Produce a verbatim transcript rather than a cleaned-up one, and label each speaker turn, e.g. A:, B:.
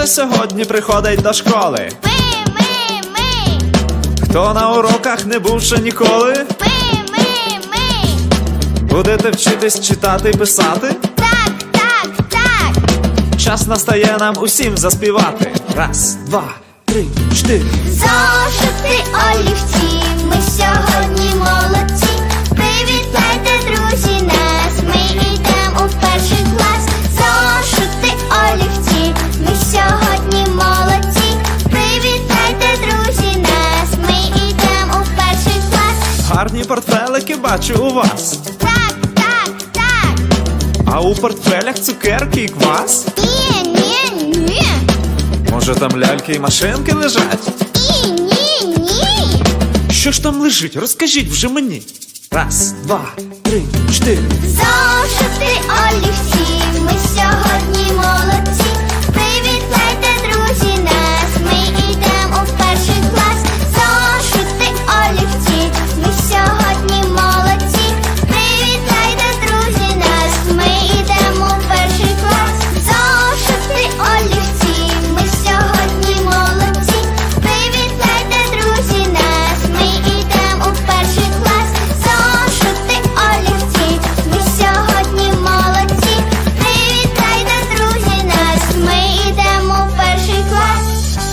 A: сьогодні приходить до школи?
B: Ми, ми, ми.
A: Хто на уроках не був ще ніколи?
B: Ми, ми, ми.
A: Будете вчитись читати й писати?
B: Так, так, так.
A: Час настає нам усім заспівати. Раз, два, три, чотири.
B: Зошити, олівці, ми сьогодні молодці. Привітайте, друзі, нас, ми йдемо у перший клас. Зошити, олівці, ми сьогодні молодці. Привітайте, друзі, нас, ми йдемо у перший клас.
A: Гарні портфелики бачу у вас.
B: Так, так, так.
A: А у портфелях цукерки і квас?
B: Ні, ні, ні.
A: Може там ляльки і машинки лежать?
B: Ні, ні, ні.
A: Що ж там лежить? Розкажіть вже мені. Раз, два, три, чотири.
B: Зошити, олівці,